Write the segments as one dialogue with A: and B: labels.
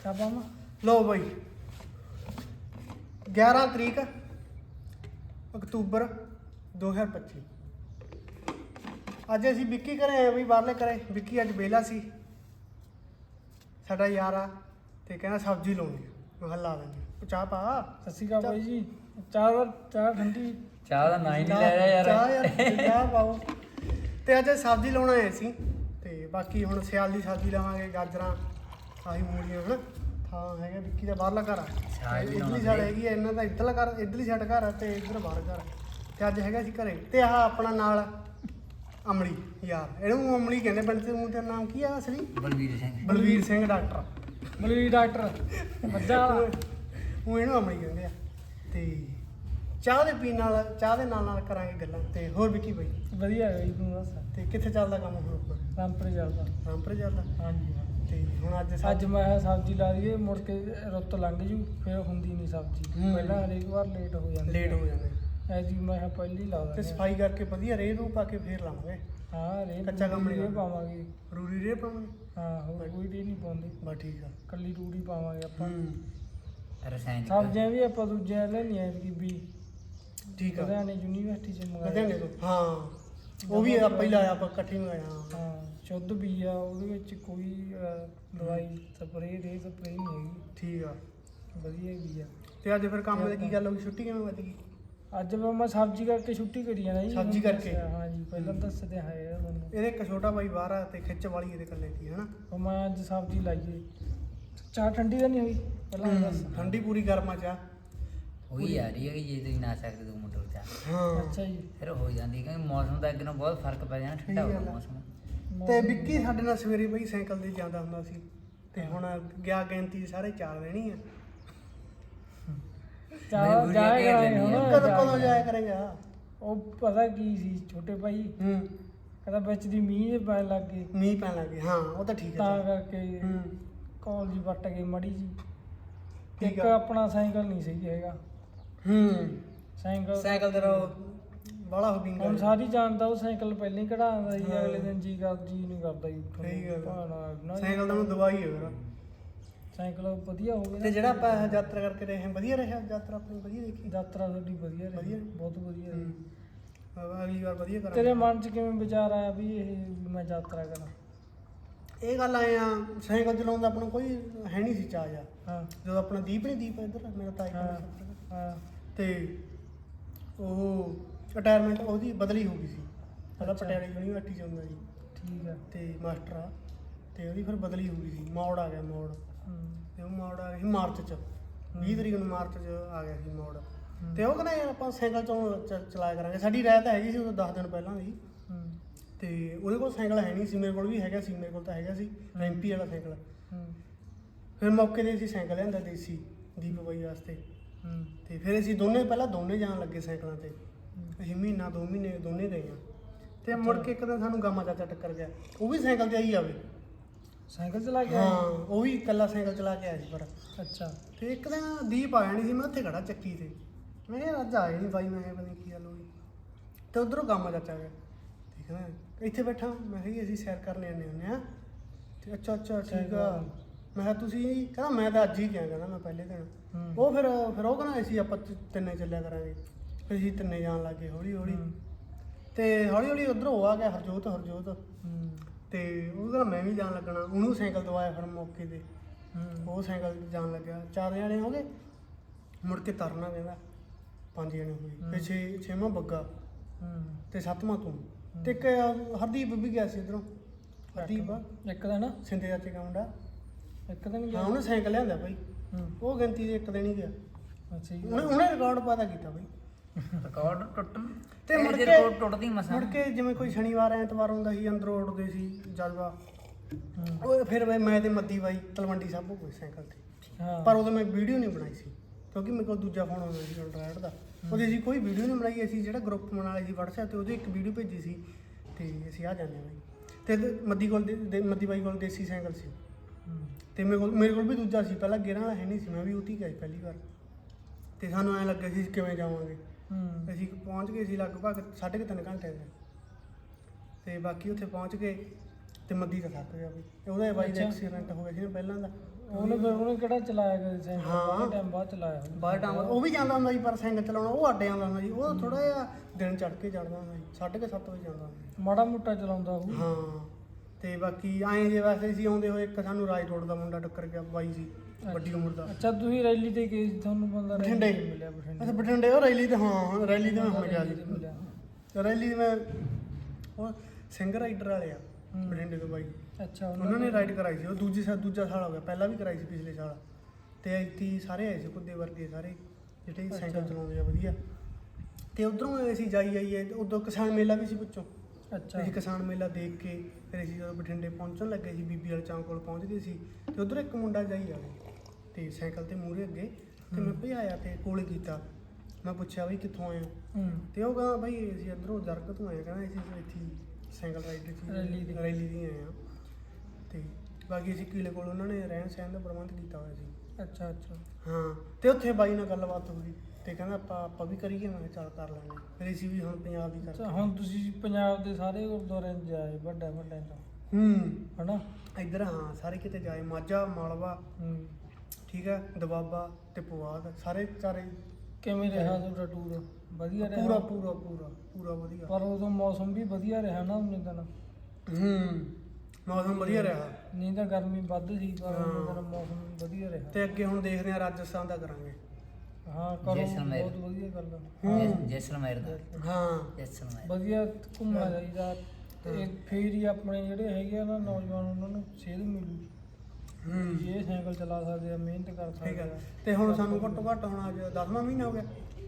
A: ਆਪਾਂ
B: ਲਓ ਬਾਈ 11 ਤਰੀਕ ਅਕਤੂਬਰ 2025 ਅੱਜ ਅਸੀਂ ਵਿੱਕੀ ਘਰੇ ਆਏ ਬਈ, ਬਾਹਰਲੇ ਘਰੇ। ਵਿੱਕੀ ਅੱਜ ਵਿਹਲਾ ਸੀ, ਸਾਡਾ ਯਾਰ ਆ, ਤੇ ਕਹਿੰਦਾ ਸਬਜ਼ੀ ਲਾਉਣੀ ਆ। ਮੈਂ ਲਾ ਦਿੰਦੇ ਚਾਹ ਪਾ।
A: ਸਤਿ ਸ਼੍ਰੀ ਅਕਾਲ ਬਾਈ ਜੀ। ਚਾਹ ਠੰਡੀ।
C: ਚਾਹ ਦਾ ਨਾਂ ਹੀ ਨਹੀਂ ਲੈ ਰਿਹਾ ਯਾਰ।
B: ਚਾਹ ਪਾਓ। ਤੇ ਅੱਜ ਸਬਜ਼ੀ ਲਾਉਣਾ ਆਏ ਸੀ, ਤੇ ਬਾਕੀ ਹੁਣ ਸਿਆਲ ਦੀ ਸਬਜ਼ੀ ਲਾਵਾਂਗੇ। ਗਾਜਰਾਂ, ਆਹੀ ਮੂਲੀਆਂ ਹਨ। ਥਾਂ ਹੈਗਾ ਵਿੱਕੀ ਦਾ ਬਾਹਰਲਾ ਘਰ ਆ, ਇੱਧਰਲੀ ਸਾਈਡ ਹੈਗੀ ਆ ਇਹਨਾਂ ਦਾ, ਇੱਧਰਲਾ ਘਰ, ਇੱਧਰਲੀ ਸਾਈਡ ਘਰ ਆ ਤੇ ਇੱਧਰ ਬਾਹਰ ਘਰ। ਤੇ ਅੱਜ ਹੈਗਾ ਸੀ ਘਰੇ। ਤੇ ਆਹ ਆਪਣਾ ਨਾਲ ਅਮਲੀ ਯਾਰ, ਇਹਨੂੰ ਅਮਲੀ ਕਹਿੰਦੇ ਪਿੰਡ ਤੇ। ਤੇਰਾ ਨਾਮ ਕੀ ਆ ਅਸਲੀ?
C: ਬਲਵੀਰ ਸਿੰਘ।
B: ਬਲਵੀਰ ਸਿੰਘ ਡਾਕਟਰ।
A: ਬਲਵੀਰ ਡਾਕਟਰ ਮੱਝਾਂ ਵਾਲਾ।
B: ਉਹ ਇਹਨੂੰ ਅਮਲੀ ਕਹਿੰਦੇ ਆ। ਤੇ ਚਾਹ ਦੇ ਪੀਣ ਨਾਲ, ਚਾਹ ਦੇ ਨਾਲ ਨਾਲ ਕਰਾਂਗੇ ਗੱਲਾਂ। ਤੇ ਹੋਰ ਵਿੱਕੀ ਬਾਈ
A: ਵਧੀਆ ਹੈ ਜੀ, ਤੂੰ ਦੱਸ।
B: ਤੇ ਕਿੱਥੇ ਚੱਲਦਾ ਕੰਮ ਹੁਣ ਆਪਣਾ?
A: ਰਾਮਪੁਰੇ ਚੱਲਦਾ।
B: ਰਾਮਪੁਰੇ ਚੱਲਦਾ।
A: ਹਾਂਜੀ ਹਾਂ।
B: ਤੇ ਹੁਣ ਅੱਜ
A: ਅੱਜ ਮੈਂ ਸਬਜ਼ੀ ਲਾ ਦਈਏ, ਮੁੜ ਕੇ ਰੁੱਤ ਲੰਘ ਜੂ, ਫਿਰ ਹੁੰਦੀ ਨਹੀਂ ਸਬਜ਼ੀ। ਪਹਿਲਾਂ ਹਰੇਕ ਵਾਰ ਲੇਟ ਹੋ ਜਾਂਦੀ।
B: ਲੇਟ ਹੋ ਜਾਂਦੇ
A: ਐਜੀ ਮੈਂ ਕਿਹਾ ਪਹਿਲੀ ਲਾ
B: ਤੇ
A: ਦਾਂ।
B: ਸਫਾਈ ਕਰਕੇ ਵਧੀਆ ਰੇਹ ਰੂ ਪਾ ਕੇ ਫੇਰ ਲਾਵਾਂਗੇ।
A: ਹਾਂ ਰੇ
B: ਕੱਚਾ ਕੰਮ ਨਹੀਂ
A: ਪਾਵਾਂਗੇ।
B: ਰੂੜੀ ਰੇਹ ਪਾਵਾਂਗੇ।
A: ਹਾਂ ਹੋਰ ਕੋਈ ਰੇ ਨਹੀਂ ਪਾਉਂਦੇ,
B: ਬਸ ਠੀਕ ਆ।
A: ਕੱਲੀ ਰੂੜੀ ਪਾਵਾਂਗੇ ਆਪਾਂ।
C: ਰਸਾਇਣਿਕ
A: ਸਬਜ਼ੀਆਂ ਵੀ ਆਪਾਂ ਦੂਜੀਆਂ ਲੈਣੀਆਂ ਵੀ
B: ਠੀਕ ਆ।
A: ਲੁਧਿਆਣੇ ਯੂਨੀਵਰਸਿਟੀ ਚ
B: ਲੁਧਿਆਣੇ ਤੋਂ। ਹਾਂ ਉਹ ਵੀ ਆਪਾਂ ਹੀ ਲਾਇਆ, ਆਪਾਂ ਇਕੱਠੇ ਮੰਗਾਇਆ।
A: ਹਾਂ ਸ਼ੁੱਧ ਬੀਜ ਆ, ਉਹਦੇ ਵਿੱਚ ਕੋਈ ਦਵਾਈ ਸਪਰੇਅ ਰੇ ਸਪਰੇਅ ਨਹੀਂ ਹੈਗੀ।
B: ਠੀਕ ਆ,
A: ਵਧੀਆ ਬੀਜ ਆ।
B: ਤੇ ਅੱਜ ਫਿਰ ਕੰਮ ਦੀ ਕੀ ਗੱਲ ਹੋ ਗਈ? ਛੁੱਟੀ ਕਿਵੇਂ ਵੱਜ ਗਈ?
A: ਅੱਜ ਮੈਂ ਸਬਜ਼ੀ ਕਰਕੇ ਛੁੱਟੀ ਕਰੀ ਜਾਣਾ ਜੀ।
B: ਸਬਜ਼ੀ ਕਰਕੇ?
A: ਹਾਂ ਜੀ, ਪਹਿਲਾਂ ਦੱਸਦੇ ਹੈ ਮੈਨੂੰ।
B: ਇਹਦੇ ਇੱਕ ਛੋਟਾ ਬਾਈ ਬਾਹਰ ਆ ਤੇ ਖਿੱਚ ਵਾਲੀ ਇਹਦੇ ਇਕੱਲੇ ਦੀ ਹਨਾ।
A: ਉਹ ਮੈਂ ਅੱਜ ਸਬਜ਼ੀ ਲਾਈਏ। ਚਾਹ ਠੰਡੀ ਤਾਂ ਨਹੀਂ ਹੋਈ ਪਹਿਲਾਂ ਦੱਸ।
B: ਠੰਡੀ ਪੂਰੀ ਗਰਮਾ ਚਾਹ
C: ਹੋਈ ਆ ਰਹੀ ਹੈ ਕਿ ਜੇ ਤੁਸੀਂ ਨਾ ਸਕਦੇ 2 ਮਿੰਟ ਚਾਹ।
B: ਹਾਂ।
A: ਅੱਛਾ ਜੀ।
C: ਫਿਰ ਹੋ ਜਾਂਦੀ, ਕਿਉਂਕਿ ਮੌਸਮ ਦਾ ਅੱਗੇ ਨਾਲੋਂ ਬਹੁਤ ਫਰਕ ਪੈ ਜਾਣਾ, ਠੰਡਾ ਹੋ ਗਿਆ ਮੌਸਮ।
B: ਤੇ ਵਿੱਕੀ ਸਾਡੇ ਨਾਲ ਸਵੇਰੇ ਬਈ ਸਾਈਕਲ ਤੇ ਜਾਂਦਾ ਹੁੰਦਾ ਸੀ, ਤੇ ਹੁਣ ਗਿਆ ਗਿਣਤੀ ਸਾਰੇ 4 ਦੇਣੀ ਆ।
A: ਚਾਹ ਜਾਏਗਾ ਹੁਣ।
B: ਕਦੋਂ ਜਾਇਆ ਕਰੇਗਾ?
A: ਉਹ ਪਤਾ ਕੀ ਸੀ ਛੋਟੇ ਭਾਈ, ਕਹਿੰਦਾ ਵਿੱਚ ਦੀ ਮੀਂਹ ਪੈਣ ਲੱਗ ਗਏ।
B: ਮੀਂਹ ਪੈਣ ਲੱਗ ਗਿਆ। ਹਾਂ ਉਹ ਤਾਂ ਠੀਕ ਹੈ।
A: ਤਾਂ ਕਰਕੇ ਕਾਲਜ ਵੱਟ ਗਈ ਮੜੀ ਜੀ।
B: ਠੀਕ
A: ਇੱਕ
B: ਆ।
A: ਆਪਣਾ ਸਾਈਕਲ ਨਹੀਂ ਸਹੀ ਹੈਗਾ।
B: ਸਾਈਕਲ ਤੇਰਾ ਬਾਲਾ ਹੋ ਗਿਆ।
A: ਹੁਣ ਸਾਰੀ ਜਾਣਦਾ ਉਹ ਸਾਈਕਲ ਪਹਿਲਾਂ ਹੀ ਕਢਾਉਂਦਾ ਸੀ, ਅਗਲੇ ਦਿਨ ਜੀ ਨਹੀਂ ਕਰਦਾ ਜੀ।
B: ਸਹੀ ਗੱਲ
A: ਭਾਣਾ
B: ਸਾਈਕਲ ਦਾ ਦਵਾਈ ਹੈ।
A: ਸਾਈਕਲ ਵਧੀਆ ਹੋ ਗਿਆ
B: ਤੇ ਜਿਹੜਾ ਆਪਾਂ ਯਾਤਰਾ ਕਰਕੇ ਰਹੇ ਵਧੀਆ ਰਿਹਾ? ਯਾਤਰਾ ਆਪਣੀ ਵਧੀਆ ਦੇਖੀ?
A: ਯਾਤਰਾ ਸਾਡੀ ਵਧੀਆ ਰਹੀ,
B: ਵਧੀਆ?
A: ਬਹੁਤ ਵਧੀਆ ਰਹੀ।
B: ਅਗਲੀ ਵਾਰ ਵਧੀਆ ਕਰਾਂਗੇ।
A: ਤੇਰੇ ਮਨ 'ਚ ਕਿਵੇਂ ਵਿਚਾਰ ਆਇਆ ਵੀ ਮੈਂ ਯਾਤਰਾ ਕਰਾਂ?
B: ਇਹ ਗੱਲ ਆਏ ਆ, ਸਾਈਕਲ ਚਲਾਉਣ ਦਾ ਆਪਣਾ ਕੋਈ ਹੈ ਨਹੀਂ ਸੀ ਚਾਅ ਜਾ।
A: ਹਾਂ
B: ਜਦੋਂ ਆਪਣਾ ਦੀਪ ਇੱਧਰ ਮੇਰਾ ਤਾਈ
A: ਹਾਂ।
B: ਤੇ ਉਹ ਰਿਟਾਇਰਮੈਂਟ ਉਹਦੀ ਬਦਲੀ ਹੋ ਗਈ ਸੀ। ਪਹਿਲਾਂ ਪਟਿਆਲੇ ਯੂਨੀਵਰਸਿਟੀ 'ਚ ਹੁੰਦਾ ਜੀ।
A: ਠੀਕ ਆ।
B: ਤੇ ਮਾਸਟਰ ਆ, ਤੇ ਉਹਦੀ ਫਿਰ ਬਦਲੀ ਹੋ ਗਈ ਸੀ। ਮੋੜ ਆ ਗਿਆ ਮੋੜ। ਤੇ ਉਹ ਮੋੜ ਆ ਗਿਆ ਸੀ ਮਾਰਚ 'ਚ, 20 ਤਰੀਕ ਨੂੰ ਮਾਰਚ 'ਚ ਆ ਗਿਆ ਸੀ ਮੋੜ। ਤੇ ਉਹ ਕਹਿੰਦਾ ਯਾਰ ਆਪਾਂ ਸਾਈਕਲ ਚਲਾਇਆ ਕਰਾਂਗੇ। ਸਾਡੀ ਰਾਇ ਤਾਂ ਹੈਗੀ ਸੀ ਉਦੋਂ 10 ਦਿਨ ਪਹਿਲਾਂ ਦੀ। ਤੇ ਉਹਦੇ ਕੋਲ ਸਾਈਕਲ ਹੈ ਨਹੀਂ ਸੀ, ਮੇਰੇ ਕੋਲ ਵੀ ਹੈਗਾ ਸੀ। ਮੇਰੇ ਕੋਲ ਤਾਂ ਹੈਗਾ ਸੀ ਰੈਂਪੀ ਵਾਲਾ ਸਾਈਕਲ। ਫਿਰ ਮੌਕੇ 'ਤੇ ਅਸੀਂ ਸਾਈਕਲ ਲਿਆਂਦਾ ਦੇਸੀ ਦੀਪ ਬਾਈ ਵਾਸਤੇ। ਤੇ ਫਿਰ ਅਸੀਂ ਪਹਿਲਾਂ ਦੋਨੇ ਜਾਣ ਲੱਗੇ ਸਾਈਕਲਾਂ 'ਤੇ। ਅਸੀਂ ਮਹੀਨਾ 2 ਮਹੀਨੇ ਦੋਨੇ ਗਏ ਹਾਂ। ਤੇ ਮੁੜ ਕੇ ਇੱਕ ਦਿਨ ਸਾਨੂੰ ਗਾਮਾ ਚਾਚਾ ਟੱਕਰ ਗਿਆ, ਉਹ ਵੀ ਸਾਈਕਲ 'ਤੇ ਆਈ ਆਵੇ।
A: ਸਾਈਕਲ ਚਲਾ ਕੇ?
B: ਹਾਂ ਉਹ ਵੀ ਇਕੱਲਾ ਸਾਈਕਲ ਚਲਾ ਕੇ ਆਇਆ ਸੀ। ਪਰ
A: ਅੱਛਾ।
B: ਤੇ ਇੱਕ ਦਿਨ ਦੀਪ ਆਇਆ ਨਹੀਂ ਸੀ, ਮੈਂ ਉੱਥੇ ਖੜਾ ਚੱਕੀ 'ਤੇ। ਮੈਂ ਕਿਹਾ ਅੱਜ ਆਏ ਨਹੀਂ ਬਾਈ, ਮੈਂ ਕਿਹਾ ਪਤਾ ਨਹੀਂ ਕੀ ਗੱਲ ਹੋ ਗਈ। ਤੇ ਉੱਧਰੋਂ ਗਾਮਾ ਚਾਚਾ ਗਿਆ, ਤੇ ਕਹਿੰਦਾ ਇੱਥੇ ਬੈਠਾ। ਮੈਂ ਕਿਹਾ ਅਸੀਂ ਸੈਰ ਕਰਨ ਆਉਂਦੇ ਹੁੰਦੇ ਹਾਂ। ਤੇ ਅੱਛਾ ਠੀਕ ਆ। ਮੈਂ ਕਿਹਾ ਤੁਸੀਂ? ਕਹਿੰਦਾ ਮੈਂ ਤਾਂ ਅੱਜ ਹੀ ਗਿਆ। ਕਹਿੰਦਾ ਮੈਂ ਪਹਿਲੇ ਦਿਨ। ਉਹ ਫਿਰ ਉਹ ਕਹਿੰਦਾ ਅਸੀਂ ਆਪਾਂ ਤਿੰਨੇ ਚੱਲਿਆ ਕਰਾਂਗੇ। ਫਿਰ ਅਸੀਂ ਤਿੰਨੇ ਜਾਣ ਲੱਗ ਗਏ ਹੌਲੀ ਹੌਲੀ। ਤੇ ਹੌਲੀ ਹੌਲੀ ਉੱਧਰੋਂ ਉਹ ਆ ਗਿਆ ਹਰਜੋਤ। ਤੇ ਉਹ ਕਹਿੰਦਾ ਮੈਂ ਵੀ ਜਾਣ ਲੱਗਣਾ। ਉਹਨੂੰ ਸਾਈਕਲ ਦਵਾਇਆ ਫਿਰ ਮੌਕੇ 'ਤੇ। ਉਹ ਸਾਈਕਲ ਜਾਣ ਲੱਗਿਆ। 4 ਜਣੇ ਹੋ ਗਏ। ਮੁੜ ਕੇ ਤਰਨਾ ਕਹਿੰਦਾ 5 ਜਣੇ ਹੋ ਗਏ। ਤੇ 6ਵਾਂ ਬੱਗਾ ਤੇ 7ਵਾਂ ਤੂੰ। ਤੇ ਇੱਕ ਹਰਦੀਪ ਵੀ ਗਿਆ ਸੀ ਇੱਧਰੋਂ। ਹਰਦੀਪ
A: ਇੱਕ ਦਿਨ
B: ਸਿੰਦੇ ਚਾਚੇ ਦਾ ਮੁੰਡਾ।
A: ਇੱਕ ਦਿਨ ਗਿਆ?
B: ਹਾਂ ਉਹਨੇ ਸਾਈਕਲ ਲਿਆਂਦਾ ਬਾਈ। ਉਹ ਗਿਣਤੀ ਦੇ ਇੱਕ ਦਿਨ ਹੀ ਗਿਆ।
A: ਅੱਛਾ ਜੀ।
B: ਉਹਨੇ ਰਿਕਾਰਡ ਪਤਾ ਕੀਤਾ ਬਾਈ।
C: ਰਿਕਾਰਡ ਟੁੱਟਣ
B: ਤੇ ਮੁੜ ਕੇ
C: ਰਿਕਾਰਡ ਟੁੱਟਦੀ ਮਸਾਂ।
B: ਮੁੜ ਕੇ ਜਿਵੇਂ ਕੋਈ ਸ਼ਨੀਵਾਰ ਐਤਵਾਰ ਹੁੰਦਾ ਸੀ, ਅੰਦਰੋਂ ਉੱਡਦੇ ਸੀ ਜਜ਼ਬਾ। ਉਹ ਫਿਰ ਮੈਂ ਤੇ ਮੱਦੀ ਬਾਈ ਤਲਵੰਡੀ ਸਾਬੋ ਕੋਈ ਸਾਈਕਲ 'ਤੇ। ਪਰ ਉਦੋਂ ਮੈਂ ਵੀਡੀਓ ਨਹੀਂ ਬਣਾਈ ਸੀ, ਕਿਉਂਕਿ ਮੇਰੇ ਕੋਲ ਦੂਜਾ ਫੋਨ ਆਉਂਦਾ ਸੀ ਐਂਡਰਾਇਡ ਦਾ। ਉਹਦੇ ਅਸੀਂ ਕੋਈ ਵੀਡੀਓ ਨਹੀਂ ਬਣਾਈ। ਅਸੀਂ ਜਿਹੜਾ ਗਰੁੱਪ ਬਣਾ ਲਿਆ ਸੀ WhatsApp 'ਤੇ, ਉਹਦੇ ਇੱਕ ਵੀਡੀਓ ਭੇਜੀ ਸੀ। ਤੇ ਅਸੀਂ ਆ ਜਾਂਦੇ ਬਾਈ। ਤੇ ਮੱਦੀ ਬਾਈ ਕੋਲ ਦੇਸੀ ਸਾਈਕਲ ਸੀ। ਤੇ ਮੇਰੇ ਕੋਲ ਵੀ ਦੂਜਾ ਸੀ। ਪਹਿਲਾਂ ਗੇਅਰਾਂ ਵਾਲਾ ਹੈ ਨਹੀਂ ਸੀ, ਮੈਂ ਵੀ ਉੱਥੇ ਗਿਆ ਸੀ ਪਹਿਲੀ ਵਾਰ। ਤੇ ਸਾਨੂੰ ਐਂ ਲੱਗਿਆ ਸੀ ਕਿਵੇਂ ਜਾਵਾਂਗੇ। ਅਸੀਂ ਪਹੁੰਚ ਗਏ ਸੀ ਲਗਭਗ 3.5 ਘੰਟੇ ਦੇ। ਤੇ ਬਾਕੀ ਉੱਥੇ ਪਹੁੰਚ ਕੇ ਤੇ ਮੱਦੀ ਤਾਂ ਥੱਕ ਗਿਆ ਬਈ ਉਹਦੇ ਬਾਈ ਦਾ ਐਕਸੀਡੈਂਟ ਹੋ ਗਿਆ ਸੀ ਨਾ ਪਹਿਲਾਂ ਦਾ
A: ਉਹਨੇ ਕਿਹੜਾ ਚਲਾਇਆ ਕਦੇ ਸਾਈਕਲ
B: ਹਾਂ।
A: ਬਹੁਤ ਟਾਈਮ ਬਾਅਦ ਚਲਾਇਆ
B: ਬਾਹਰ ਟਾਂਗ ਉਹ ਵੀ ਜਾਂਦਾ ਹੁੰਦਾ ਸੀ ਪਰ ਸਾਈਕਲ ਚਲਾਉਣਾ ਉਹ ਅੱਡੇ ਆਉਂਦਾ ਹੁੰਦਾ ਸੀ ਉਹ ਥੋੜਾ ਜਿਹਾ ਦਿਨ ਚੜ ਕੇ ਚੜਦਾ ਹੁੰਦਾ ਸੀ 7:30 ਵਜੇ ਜਾਂਦਾ ਹੁੰਦਾ ਸੀ।
A: ਮਾੜਾ ਮੋਟਾ ਚਲਾਉਂਦਾ ਉਹ
B: ਹਾਂ ਤੇ ਬਾਕੀ ਐਂ ਜੇ ਵੈਸੇ ਸੀ ਆਉਂਦੇ ਹੋਏ ਇੱਕ ਸਾਨੂੰ ਰਾਜ ਰੋਡ ਦਾ ਮੁੰਡਾ ਟੱਕਰ ਗਿਆ ਬਾਈ ਸੀ ਵੱਡੀ ਉਮਰ ਦਾ।
A: ਅੱਛਾ ਤੁਸੀਂ ਰੈਲੀ ਤੇ ਗਏ ਸੀ, ਤੁਹਾਨੂੰ ਬੰਦਾ ਰੈਲੀ
B: ਬਠਿੰਡੇ
A: ਤੇ ਮਿਲਿਆ ਬਠਿੰਡੇ
B: ਅੱਛਾ ਬਠਿੰਡੇ ਉਹ ਰੈਲੀ ਤੇ ਹਾਂ ਰੈਲੀ ਤੇ ਮੈਂ ਹੁਣ ਗਿਆ
A: ਰੈਲੀ ਤੇ ਮਿਲਿਆ।
B: ਸੀ ਰੈਲੀ ਤੇ ਮੈਂ ਉਹ ਸਿੰਘ ਰਾਈਡਰ ਵਾਲੇ ਆ ਬਠਿੰਡੇ ਤੋਂ ਬਾਈ
A: ਅੱਛਾ
B: ਉਹਨਾਂ ਨੇ ਰਾਈਡ ਕਰਾਈ ਸੀ ਉਹ ਦੂਜਾ ਸਾਲ ਹੋ ਗਿਆ ਪਹਿਲਾਂ ਵੀ ਕਰਾਈ ਸੀ ਪਿਛਲੇ ਸਾਲ ਤੇ ਇੱਥੇ ਸਾਰੇ ਆਏ ਸੀ ਕੁੱਦੇ ਵਰਗੇ ਸਾਰੇ ਜਿਹੜੇ ਸਾਈਕਲ ਚਲਾਉਂਦੇ ਆ ਵਧੀਆ ਤੇ ਉਧਰੋਂ ਅਸੀਂ ਜਾਈ ਆਈਏ ਉਦੋਂ ਕਿਸਾਨ ਮੇਲਾ ਵੀ ਸੀ ਪੁੱਛੋ
A: ਅੱਛਾ
B: ਅਸੀਂ ਕਿਸਾਨ ਮੇਲਾ ਦੇਖ ਕੇ ਫਿਰ ਅਸੀਂ ਜਦੋਂ ਬਠਿੰਡੇ ਪਹੁੰਚਣ ਲੱਗੇ ਸੀ ਬੀਬੀ ਵਾਲੇ ਚੌਂਕ ਕੋਲ ਪਹੁੰਚ ਗਏ ਸੀ ਤੇ ਉਧਰ ਇੱਕ ਮੁੰਡਾ ਜਾਈ ਆਇਆ ਤੇ ਸਾਈਕਲ ਤੇ ਮੂਹਰੇ ਅੱਗੇ ਤੇ ਮੈਂ ਭਜਾਇਆ ਤੇ ਕੋਲ ਕੀਤਾ ਮੈਂ ਪੁੱਛਿਆ ਬਈ ਕਿੱਥੋਂ ਆਏ ਹੋ ਤੇ ਉਹ ਕਹਿੰਦਾ ਬਈ ਅਸੀਂ ਇੱਧਰੋਂ ਜਰਗ ਤੋਂ ਆਏ ਕਹਿੰਦਾ ਅਸੀਂ ਇੱਥੇ ਸਾਈਕਲ ਰਾਈਡ ਦੀ ਰੈਲੀ ਦੀ ਆਏ ਆ ਤੇ ਬਾਕੀ ਅਸੀਂ ਕਿਲੇ ਕੋਲ ਉਹਨਾਂ ਨੇ ਰਹਿਣ ਸਹਿਣ ਦਾ ਪ੍ਰਬੰਧ ਕੀਤਾ ਹੋਇਆ ਸੀ।
A: ਅੱਛਾ ਅੱਛਾ
B: ਹਾਂ ਤੇ ਉੱਥੇ ਬਾਈ ਨਾਲ ਗੱਲਬਾਤ ਹੋ ਗਈ ਤੇ ਕਹਿੰਦਾ ਆਪਾਂ ਵੀ ਕਰੀਏ ਮੈਂ ਕਿਹਾ ਚੱਲ ਕਰ ਲੈਂਦੇ ਫਿਰ ਅਸੀਂ ਵੀ ਹੁਣ ਪੰਜਾਬ ਦੀ
A: ਅੱਛਾ
B: ਕਰਦੇ
A: ਹੁਣ ਤੁਸੀਂ ਪੰਜਾਬ ਦੇ ਸਾਰੇ ਗੁਰਦੁਆਰਿਆਂ 'ਚ ਜਾਏ ਵੱਡਾ ਤੋਂ ਹਨਾ
B: ਇੱਧਰ ਹਾਂ ਸਾਰੇ ਕਿਤੇ ਜਾਏ ਮਾਝਾ ਮਾਲਵਾ ਠੀਕ ਹੈ ਦਬਾਬਾ ਤੇ ਪੁਆਧ ਸਾਰੇ ਚਾਰੇ
A: ਕਿਵੇਂ ਰਿਹਾ ਤੁਹਾਡਾ ਟੂਰ ਵਧੀਆ ਰਿਹਾ
B: ਪੂਰਾ ਵਧੀਆ
A: ਪਰ ਉਦੋਂ ਮੌਸਮ ਵੀ ਵਧੀਆ ਰਿਹਾ ਨਾ ਉਹਨੇ ਦਿਨ
B: ਮੌਸਮ ਵਧੀਆ ਰਿਹਾ
A: ਨਹੀਂ ਤਾਂ ਗਰਮੀ ਵੱਧ ਸੀ ਪਰ ਉਹਨੇ ਦਿਨ ਮੌਸਮ ਵਧੀਆ ਰਿਹਾ
B: ਤੇ ਅੱਗੇ ਹੁਣ ਦੇਖਦੇ ਹਾਂ ਰਾਜਸਥਾਨ ਦਾ ਕਰਾਂਗੇ
A: ਹਾਂ ਕਰੋ ਬਹੁਤ ਵਧੀਆ ਗੱਲ ਆ
C: ਜੈਸਲਮੇਰ ਦਾ
B: ਹਾਂ
C: ਜੈਸਲਮੇਰ
A: ਵਧੀਆ ਘੁੰਮਣਾ ਚਾਹੀਦਾ ਤੇ ਫਿਰ ਹੀ ਆਪਣੇ ਜਿਹੜੇ ਹੈਗੇ ਆ ਨਾ ਨੌਜਵਾਨ ਉਹਨਾਂ ਨੂੰ ਸੇਧ ਮਿਲੂ ਇਹ ਸਾਈਕਲ ਚਲਾ ਸਕਦੇ ਆ ਮਿਹਨਤ ਕਰ
B: ਠੀਕ
A: ਸਕਦੇ
B: ਹੈ
A: ਆ
B: ਤੇ ਹੁਣ ਸਾਨੂੰ ਘੱਟੋ ਘੱਟ ਹੁਣ ਅੱਜ 10ਵਾਂ ਮਹੀਨਾ ਹੋ ਗਿਆ